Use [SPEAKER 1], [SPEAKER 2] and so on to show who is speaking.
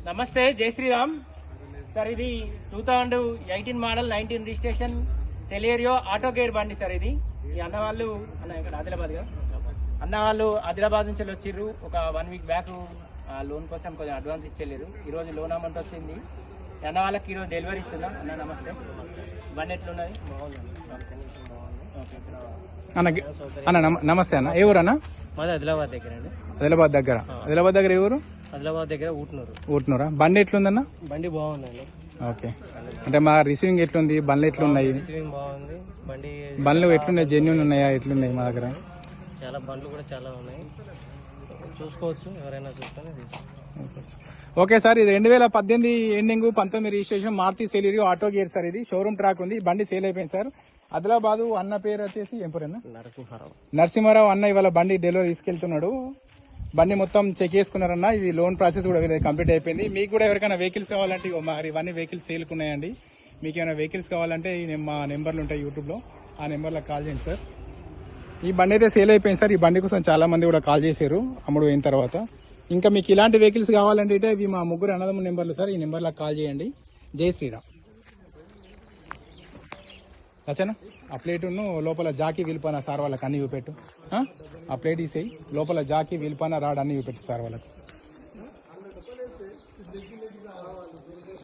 [SPEAKER 1] నమస్తే, జై శ్రీరామ్ సార్. ఇది 2018 model 19 registration Celerio auto gear బండి సార్. ఇది ఈ అన్న వాళ్ళు ఇక్కడ ఆదిలాబాద్ నుంచి వచ్చిర్రు. ఒక 1 వీక్ బ్యాక్ లోన్ కోసం కొంచెం అడ్వాన్స్ ఇచ్చేలేరు. ఈరోజు లోన్ అమౌంట్ వచ్చింది. అన్న వాళ్ళకి ఈరోజు డెలివరీ ఇస్తున్నా. అన్న నమస్తే. బండి ఎట్లున్నది?
[SPEAKER 2] అన్న నమస్తే అన్న. ఏ ఊరు అన్న?
[SPEAKER 1] మాది ఆదిలాబాద్ దగ్గర అండి.
[SPEAKER 2] ఆదిలాబాద్ దగ్గర ఏ ఊరు?
[SPEAKER 1] ఆదిలాబాద్ దగ్గర
[SPEAKER 2] ఊట్నూరా. బండి ఎట్లుందన్న?
[SPEAKER 1] బండి బాగుందండి.
[SPEAKER 2] ఓకే, అంటే మా రిసీవింగ్ ఎట్లుంది? బండ్లు ఎట్లున్నాయి?
[SPEAKER 1] రిసీవింగ్ బాగుంది.
[SPEAKER 2] బండ్లు ఎట్లున్నాయి? జెన్యూన్ ఉన్నాయా? ఎట్లున్నాయి? మా దగ్గర
[SPEAKER 1] చాలా బండ్లు కూడా చాలా ఉన్నాయి, చూసుకోవచ్చు. ఎవరైనా చూసుకొని తీసుకోవచ్చు.
[SPEAKER 2] ఓకే సార్, ఇది 2018 ending 19 registration Maruti Celerio auto gear sir. ఇది షోరూమ్ ట్రాక్ ఉంది. బండి సేల్ అయిపోయింది సార్. ఆదిలాబాదు. అన్న పేరు వచ్చేసి ఏం పేరు అన్న? నరసింహారావు అన్న ఇవాళ బండి డెలివరీ తీసుకెళ్తున్నాడు. బండి మొత్తం చెక్ చేసుకున్నారన్న. ఇది లోన్ ప్రాసెస్ కూడా కంప్లీట్ అయిపోయింది. మీకు కూడా ఎవరికైనా వెహికల్స్ కావాలంటే మరి ఇవన్నీ వెహికల్స్ సేల్కున్నాయండి. మీకు ఏమైనా వెహికల్స్ కావాలంటే మా నెంబర్లు ఉంటాయి యూట్యూబ్లో, ఆ నెంబర్లో కాల్ చేయండి సార్. ఈ బండి అయితే సేల్ అయిపోయింది సార్. ఈ బండి కోసం చాలా మంది కూడా కాల్ చేశారు అమ్ముడు అయిన తర్వాత. ఇంకా మీకు ఇలాంటి వెహికల్స్ కావాలంటే ఇవి మా ముగ్గురు అన్నదమ్ముల నెంబర్లు సార్. ఈ నెంబర్లో కాల్ చేయండి. జై శ్రీరామ్. సరేనా? ఆ ప్లేటును లోపల జాకీ విల్పాన సార్ వాళ్ళకి అన్ని చూపెట్టు. ఆ ప్లేట్ తీసేయి. లోపల జాకీ విల్పాన రాడ్ అన్ని చూపెట్టు సార్ వాళ్ళకి.